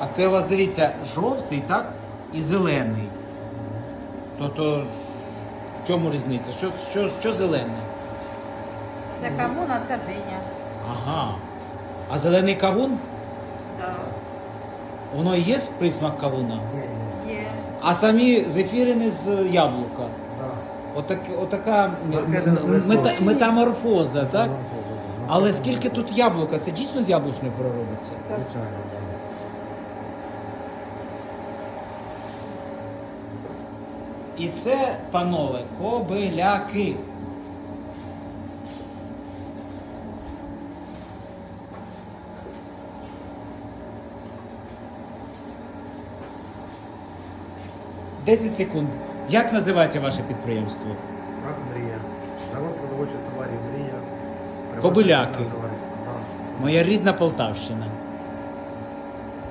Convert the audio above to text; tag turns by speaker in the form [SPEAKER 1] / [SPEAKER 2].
[SPEAKER 1] А це у вас, дивіться, жовтий, так? І зелений. То в чому різниця? Що зелений?
[SPEAKER 2] Це кавун, а це диня.
[SPEAKER 1] Ага. А зелений кавун?
[SPEAKER 2] Да.
[SPEAKER 1] Воно і є присмак кавуна?
[SPEAKER 2] Є.
[SPEAKER 1] А самі зефірини з яблука.
[SPEAKER 3] Да.
[SPEAKER 1] Отака
[SPEAKER 3] Маркетинг
[SPEAKER 1] метаморфоза, так?
[SPEAKER 3] Да.
[SPEAKER 1] Але скільки тут яблука? Це дійсно з яблучної проробиться?
[SPEAKER 3] Звичайно, так.
[SPEAKER 1] І це, панове, кобиляки. Десять секунд. Як називається ваше підприємство?
[SPEAKER 3] Так, мрія. Завод продовольчих товарів мрія.
[SPEAKER 1] Кобиляки.
[SPEAKER 3] Приватне товариство, да.
[SPEAKER 1] Моя рідна Полтавщина.